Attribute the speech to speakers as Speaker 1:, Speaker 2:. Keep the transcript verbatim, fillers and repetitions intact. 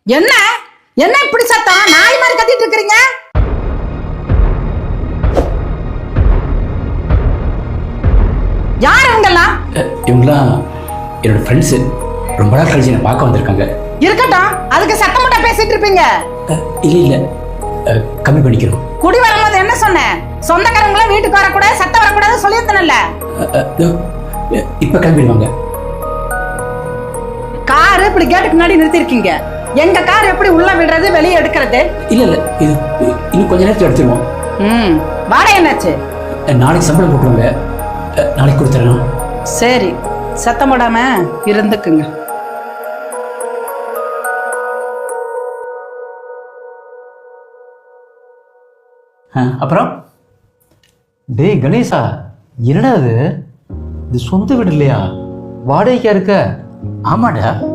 Speaker 1: என்ன என்ன இப்படி சத்தம் நாய் மாதிரி கத்திட்டு இருக்கீங்க? யார் இவங்கெல்லாம்?
Speaker 2: இவங்களாம் என்னோட ஃப்ரெண்ட்ஸு. ரொம்ப நாள் கழிச்சு என்னை பார்க்க வந்திருக்காங்க.
Speaker 1: இருக்கட்டும், அதுக்கு சத்தம் மட்டும் பேசிட்டு இருப்பீங்க.
Speaker 2: இல்லை இல்லை, கம்மி பண்ணிக்கிறோம்.
Speaker 1: குடி வரும்போது என்ன சொன்னேன்? சொந்தக்காரங்களும் வீட்டுக்கு வரக்கூடாது, சத்தம் வரக்கூடாது சொல்லியிருந்தேன்ல.
Speaker 2: இப்போ கிளம்பிடுவாங்க.
Speaker 1: காரு இப்படி கேட்டுக்கு முன்னாடி நிறுத்திருக்கீங்க. எங்க கார் எப்படி உள்ள விடுறது வெளியே எடுக்கிறது?
Speaker 2: இல்ல இல்ல, இது இன்னும் கொஞ்ச நேரத்தில் எடுத்துருவோம்.
Speaker 1: ம், வாடகை என்னாச்சு?
Speaker 2: நாளைக்கு சம்பளம் போட்டுருங்க, நாளைக்கு கொடுத்துறேன்.
Speaker 1: சரி, சத்தம் போடாம இருந்துக்குங்க.
Speaker 2: அப்புறம்
Speaker 3: டேய் கணேசா, என்னடா இது? இது சொந்த வீடு இல்லையா? வாடகைக்கா இருக்க?
Speaker 2: ஆமாடா.